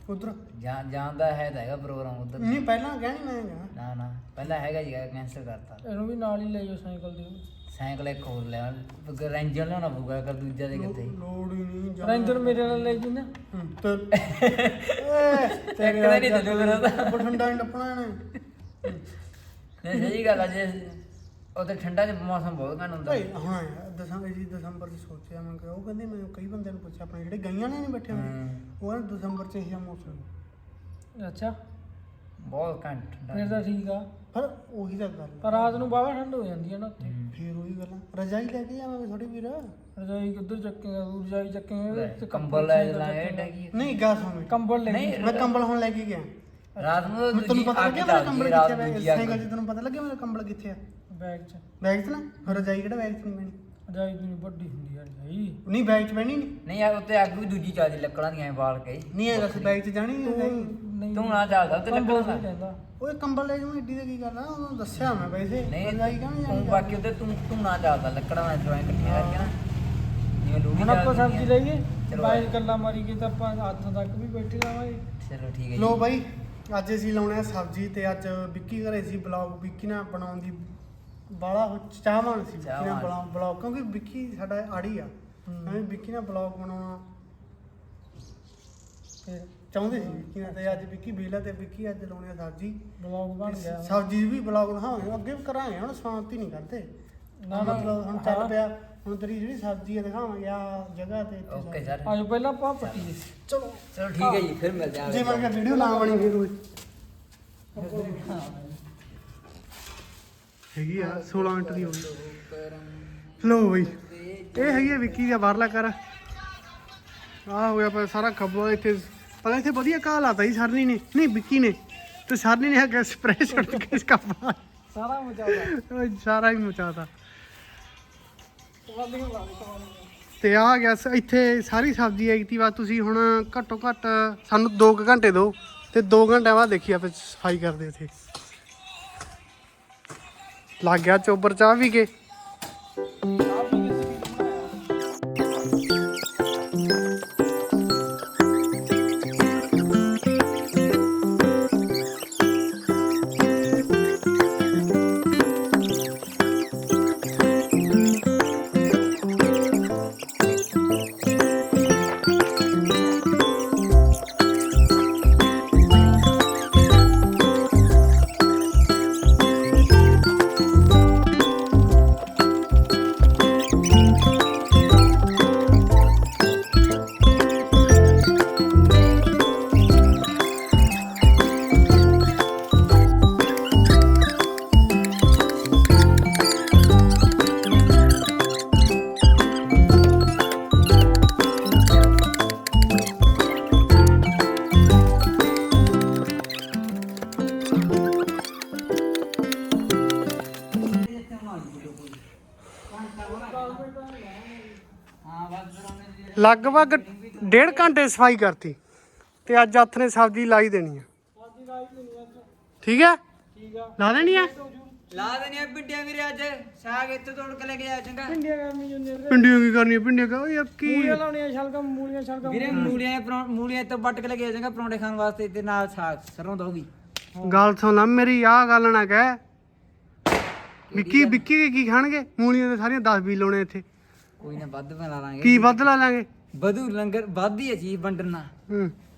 B: ਉਧਰ
C: ਜਾਂਦਾ ਹੈ ਤਾਂ ਹੈਗਾ ਪ੍ਰੋਗਰਾਮ ਉਧਰ।
B: ਨਹੀਂ ਪਹਿਲਾਂ ਕਹਿਣੀ ਮੈਂ ਗਿਆ
C: ਨਾ ਪਹਿਲਾਂ ਹੈਗਾ ਜੀ, ਕੈਂਸਲ ਕਰਤਾ।
A: ਇਹਨੂੰ ਵੀ ਨਾਲ ਹੀ ਲੈ ਜਾਓ ਸਾਈਕਲ ਦੇ।
C: ਸਾਈਕਲ ਇੱਕ ਹੋਰ ਲੈ ਰੈਂਜਰ ਲਿਆਉਣਾ ਪਊਗਾ, ਕਰ ਦੂਜਾ ਦੇ ਕਿੱਥੇ।
B: ਲੋੜ ਹੀ ਨਹੀਂ
A: ਰੈਂਜਰ ਮੇਰੇ ਨਾਲ ਲੈ ਜੀ ਨਾ।
B: ਤੇ
C: ਇੱਕ ਤਾਂ ਨਹੀਂ ਚੱਲੂ ਮੇਰਾ ਤਾਂ।
B: ਠੰਡਾ ਨਹੀਂ ਟੱਪਣਾ ਨੇ।
C: ਨਹੀਂ ਸਹੀ ਗੱਲ ਆ, ਜੇ ਉੱਥੇ ਠੰਡਾ ਚ ਮੌਸਮ ਬਹੁਤ ਘੱਟ ਹੁੰਦਾ।
B: ਭਾਈ ਹਾਂ ਦਸੰਬਰ ਚ ਸੋਚਿਆ ਮੈਂ ਕਿ ਉਹ ਕਹਿੰਦੇ ਮੈਂ ਕਈ ਬੰਦਿਆਂ ਨੂੰ ਪੁੱਛਿਆ ਆਪਣੇ ਜਿਹੜੇ ਗਈਆਂ ਨੇ ਨਹੀਂ ਬੈਠੇ ਹੋਏ, ਉਹ ਕਹਿੰਦੇ ਦਸੰਬਰ ਚ ਇਹ ਮੌਸਮ।
A: ਅੱਛਾ
C: ਬਹੁਤ ਘੱਟ ਠੰਡਾ।
A: ਫਿਰ ਤਾਂ ਠੀਕ ਆ,
B: ਪਰ ਉਹੀ ਤਾਂ ਗੱਲ
A: ਪਰ ਰਾਤ ਨੂੰ ਬਾਵਾ ਠੰਡ ਹੋ ਜਾਂਦੀ ਹੈ ਨਾ ਉੱਥੇ।
B: ਫੇਰ ਉਹੀ ਗੱਲਾਂ ਰਜਾਈ ਲੈ ਕੇ ਜਾਵਾਂਗੇ ਥੋੜੀ ਵੀਰ।
A: ਰਜਾਈ ਕਿੱਧਰ ਚੱਕੇਗਾ, ਰਜਾਈ ਚੱਕੇਗਾ ਤੇ
C: ਕੰਬਲ ਲੈ ਲਾਂਗੇ ਟੈਗੀ।
B: ਨਹੀਂ ਗਾ ਸੁਣ,
A: ਕੰਬਲ ਲੈ
C: ਨਹੀਂ
B: ਮੈਂ ਕੰਬਲ ਹੁਣ ਲੈ ਕੇ ਗਿਆ।
C: ਰਾਤ ਨੂੰ
B: ਤੈਨੂੰ ਪਤਾ ਲੱਗਿਆ ਮੇਰਾ ਕੰਬਲ
C: ਰਾਤ
B: ਕਿੱਥੇ
C: ਦੂਜੀ
B: ਹੈ?
C: ਅੱਗ।
B: ਸਾਈਕਲ 'ਚ ਤੈਨੂੰ ਪਤਾ ਲੱਗਿਆ ਮੇਰਾ ਕੰਬਲ ਕਿੱਥੇ ਆ?
A: ਬੈਗ 'ਚ।
B: ਬੈਗ 'ਚ ਨਾ ਫਿਰ ਰਜਾਈ ਕਿਹੜਾ ਬੈਗ 'ਚ ਨਹੀਂ ਪੈਣੀ?
A: ਰਜਾਈ ਦੀ ਵੱਡੀ ਹੁੰਦੀ ਹੈ ਰਜਾਈ।
B: ਨਹੀਂ ਬੈਗ 'ਚ ਪੈਣੀ ਨਹੀਂ।
C: ਨਹੀਂ ਯਾਰ ਉੱਤੇ ਅੱਗ ਵੀ ਦੂਜੀ ਚੱਲਦੀ ਲੱਕੜਾਂ ਦੀਆਂ ਬਾਲ ਕੇ।
B: ਨਹੀਂ ਹੈਗਾ ਬੈਗ 'ਚ ਜਾਣੀ ਨਹੀਂ ਰਜਾਈ।
A: ਨਹੀਂ
C: ਤੂੰ ਨਾ ਚੱਲਦਾ ਉੱਤੇ
A: ਕੰਬਲ
C: ਲੱਕੜਾਂ
A: ਨਹੀਂ
C: ਦਾ।
A: ਕਹਿੰਦਾ।
B: ਓਏ ਕੰਬਲ ਲੈ ਜਾਵਾਂ ਏਡੀ ਦਾ ਕੀ ਗੱਲ ਆ? ਉਹਨੂੰ ਦੱਸਿਆ ਮੈਂ ਵੈਸੇ
C: ਨਹੀਂ
B: ਰਜਾਈ ਕਹਿੰਦੇ
C: ਤੂੰ ਬਾਕੀ ਉੱਤੇ ਤੂੰ ਨਾ ਚੱਲਦਾ ਲੱਕੜਾਂ ਨਾਲ ਜੁਆਇਨ ਇਕੱਠੀਆਂ ਕਰਕੇ ਨਾ, ਜਿਵੇਂ ਲੋਹੜੀ
A: ਹੁਣ ਆਪਾਂ ਸਬਜ਼ੀ ਲਈਏ,
C: ਚਲੋ
A: ਬਾਈ ਗੱਲਾਂ ਮਾਰੀ ਕੇ ਤਾਂ ਆਪਾਂ ਹੱਥ ਤੱਕ ਵੀ ਬੈਠੇ ਰਹਾਂਗੇ।
C: ਚਲੋ ਠੀਕ ਹੈ
B: ਲੋ
C: ਜੀ।
B: ਬਾਈ ਅੱਜ ਅਸੀਂ ਲਾਉਣੇ ਆ ਸਬਜ਼ੀ ਤੇ ਅੱਜ ਵਿੱਕੀ ਘਰੇ ਸੀ ਬਲੌਗ ਵਿੱਕੀ ਨਾਲ ਬਣਾਉਣ ਦੀ ਬਾਲਾ ਚਾਹਵਾਨ ਸੀ। ਵਿੱਕੀ ਨਾਲ ਬਲੌਗ ਕਿਉਂਕਿ ਵਿੱਕੀ ਸਾਡਾ ਆੜੀ ਆ, ਐਵੇਂ ਵਿੱਕੀ ਨਾਲ ਬਲੌਗ ਬਣਾਉਣਾ
A: ਫਿਰ
B: ਚਾਹੁੰਦੇ ਸੀ ਵਿੱਕੀ ਨਾਲ। ਤੇ ਅੱਜ ਵਿੱਕੀ ਬੇਲਾ ਤੇ ਵਿੱਕੀ ਅੱਜ ਲਾਉਣੇ ਆ ਸਬਜ਼ੀ।
A: ਬਲੌਗ ਬਣ ਗਿਆ।
B: ਸਬਜ਼ੀ ਵੀ ਬਲੌਗ ਦਿਖਾਵਾਂਗੇ, ਅੱਗੇ ਵੀ ਕਰਾਂਗੇ, ਹੁਣ ਸਮਾਪਤੀ ਨਹੀਂ ਕਰਦੇ
A: ਨਾ
B: ਮਤਲਬ ਹੁਣ ਚੱਲ ਪਿਆ। ਹੁਣ ਤੇਰੀ ਜਿਹੜੀ ਸਬਜ਼ੀ ਆ ਦਿਖਾਵਾਂਗੇ ਆ ਜਗ੍ਹਾ ਤੇ ਇੱਥੇ
C: ਓਕੇ ਸਰ,
A: ਆਜੋ ਪਹਿਲਾਂ ਆਪਾਂ ਪੱਟੀ।
B: ਚਲੋ
C: ਚਲੋ ਠੀਕ ਹੈ ਜੀ, ਫਿਰ ਮਿਲਦੇ ਹਾਂ।
B: ਜੇ ਮੈਂ ਕਿਹਾ ਵੀਡੀਓ ਨਾ ਬਣੀ ਫਿਰ ਉਹ ਹੈਗੀ ਆ 16 ਮਿੰਟ ਦੀ ਹੋ ਗਈ। ਲੋ ਬਈ ਇਹ ਹੈਗੀ ਆ ਵਿੱਕੀ ਦਾ ਬਾਹਰਲਾ ਘਰ। ਆ ਹੋਇਆ ਪਰ ਸਾਰਾ ਖੱਬਾ ਇੱਥੇ ਪਤਾ ਇੱਥੇ ਵਧੀਆ ਘਾਹ ਲਾਤਾ ਜੀ ਸਰਨੀ ਨੇ, ਨਹੀਂ ਵਿੱਕੀ ਨੇ, ਤੇ ਸਰਨੀ ਨੇ ਹੈਗਾ ਸਪਰੇਅ ਛੱਡ ਕੇ ਇਸ ਕੱਪਾ
A: ਸਾਰਾ ਮਚਾਉਂਦਾ।
B: ਸਾਰਾ ਹੀ ਮਚਾਤਾ।
A: ਵਾਲੀਆਂ ਲਾ ਦੇ।
B: ਤੇ ਆ ਗਿਆ ਇੱਥੇ ਸਾਰੀ ਸਬਜ਼ੀ ਆਈ ਤੀ। ਬਸ ਤੁਸੀਂ ਹੁਣ ਘੱਟੋ ਘੱਟ ਸਾਨੂੰ 2 ਘੰਟੇ ਦਿਓ ਤੇ 2 ਘੰਟਿਆਂ ਬਾਅਦ ਦੇਖੀ ਆਪੇ ਸਫਾਈ ਕਰਦੇ ਉੱਥੇ। ਲੱਗ ਗਿਆ ਚੋਬਰ ਚਾਹ ਵੀ ਕੇ। ਲਗਭਗ 1.5 ਘੰਟੇ ਸਫਾਈ ਕਰਤੀ ਤੇ ਅੱਜ ਹੱਥ ਨੇ ਸਬਜ਼ੀ ਲਾਈ ਦੇਣੀ ਆ। ਠੀਕ ਹੈ,
A: ਠੀਕ ਆ।
B: ਲਾ ਦੇਣੀ ਆ।
C: ਲਾ ਦੇਣੀਆਂ ਪਿੰਡੀਆਂ ਵੀਰੇ, ਅੱਜ ਸਾਗ ਇੱਥੇ ਤੋੜ ਕੇ ਲੈ ਕੇ ਜਾ ਚੰਗਾ।
A: ਪਿੰਡੀਆਂ ਕਰਨੀ ਜਾਂਦੇ ਵੀਰੇ।
B: ਪਿੰਡੀਆਂ ਕੀ ਕਰਨੀਆਂ? ਪਿੰਡੀਆਂ ਕਾ ਯਾਰ ਕੀ
A: ਮੂਲੀਆਂ ਲਾਉਣੀਆਂ, ਸ਼ਲਗਮ ਮੂਲੀਆਂ ਸ਼ਲਗਮ।
C: ਵੀਰੇ ਮੂਲੀਆਂ ਤੋਂ ਵੱਟ ਕੇ ਲੈ ਕੇ ਜਾ ਚੰਗਾ ਪਰੌਂਠੇ ਖਾਣ ਵਾਸਤੇ, ਤੇ ਨਾਲ ਸਾਗ ਸਰੋਂ ਦਾ ਉਹ ਵੀ।
B: ਗੱਲ ਸੁਣ ਲੈ ਮੇਰੀ, ਆਹ ਗੱਲ ਨਾ ਕਹਿ। ਵਿੱਕੀ ਕੀ ਖਾਣਗੇ? ਮੂਲੀਆਂ ਤੇ ਸਾਰੀਆਂ 10-20 ਲਾਉਣੇ ਇੱਥੇ।
C: ਕੋਈ ਨਾ ਵੱਧ ਬਣਾ ਲਾਂਗੇ।
B: ਕੀ ਵੱਧ ਲਾ ਲਾਂਗੇ?
C: ਵਧੂ ਲੰਗਰ ਵੱਧ ਹੀ ਹੈ ਚੀਜ਼ ਵੰਡਣਾ।
B: ਹੂੰ